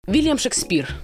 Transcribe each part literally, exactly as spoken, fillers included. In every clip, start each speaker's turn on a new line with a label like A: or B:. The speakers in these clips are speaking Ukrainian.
A: Вільям Шекспір.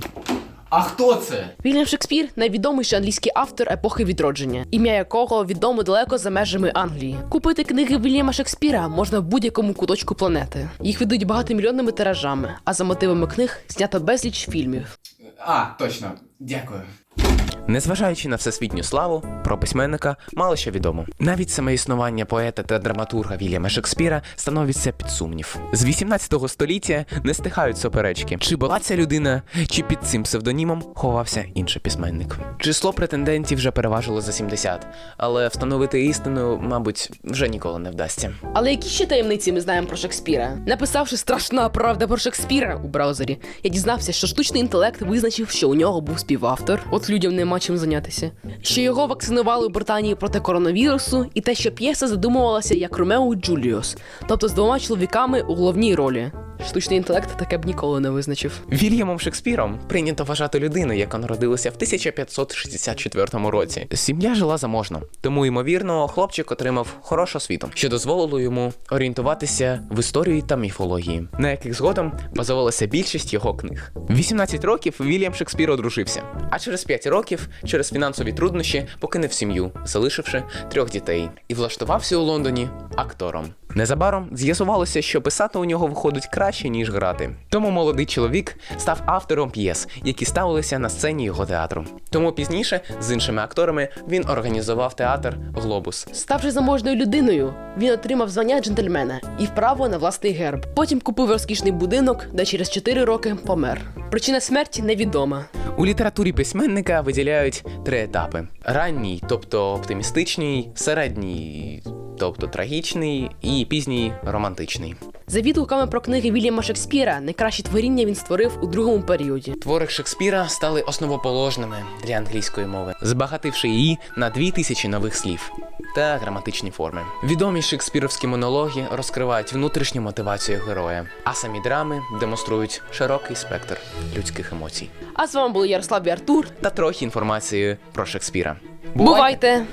B: А хто це?
A: Вільям Шекспір – найвідоміший англійський автор епохи відродження, ім'я якого відомо далеко за межами Англії. Купити книги Вільяма Шекспіра можна в будь-якому куточку планети. Їх видають багатомільйонними тиражами, а за мотивами книг знято безліч фільмів.
B: А, точно. Дякую.
C: Незважаючи на всесвітню славу, про письменника мало що відомо. Навіть саме існування поета та драматурга Вільяма Шекспіра становиться під сумнів. З вісімнадцятого століття не стихають суперечки, чи була ця людина, чи під цим псевдонімом ховався інший письменник. Число претендентів вже переважило за сімдесят, але встановити істину, мабуть, вже ніколи не вдасться.
A: Але які ще таємниці ми знаємо про Шекспіра? Написавши «Страшна правда про Шекспіра» у браузері, я дізнався, що штучний інтелект визначив, що у нього був співавтор. От людям нема чим зайнятися. Що його вакцинували у Британії проти коронавірусу, і те, що п'єса задумувалася як Ромео і Джуліус, тобто з двома чоловіками у головній ролі. Штучний інтелект таке б ніколи не визначив.
C: Вільямом Шекспіром прийнято вважати людину, яка народилася в тисяча п'ятсот шістдесят четвертому році. Сім'я жила заможно, тому, ймовірно, хлопчик отримав хорошу освіту, що дозволило йому орієнтуватися в історії та міфології, на яких згодом базувалася більшість його книг. В вісімнадцять років Вільям Шекспір одружився, а через п'ять років, через фінансові труднощі, покинув сім'ю, залишивши трьох дітей, і влаштувався у Лондоні актором. Незабаром з'ясувалося, що писати у нього виходить краще, ніж грати. Тому молодий чоловік став автором п'єс, які ставилися на сцені його театру. Тому пізніше з іншими акторами він організував театр «Глобус».
A: Ставши заможною людиною, він отримав звання джентльмена і право на власний герб. Потім купив розкішний будинок, де через чотири роки помер. Причина смерті невідома.
C: У літературі письменника виділяють три етапи: ранній, тобто оптимістичний, середній, тобто трагічний, і пізній романтичний.
A: За відгуками про книги Вільяма Шекспіра, найкращі творіння він створив у другому періоді.
C: Твори Шекспіра стали основоположними для англійської мови, збагативши її на дві тисячі нових слів та граматичні форми. Відомі шекспіровські монологи розкривають внутрішню мотивацію героя, а самі драми демонструють широкий спектр людських емоцій.
A: А з вами були Ярослав і Артур.
C: Та трохи інформації про Шекспіра.
A: Бувайте!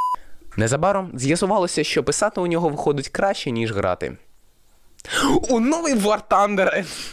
C: Незабаром з'ясувалося, що писати у нього виходить краще, ніж грати. У новий War Thunder!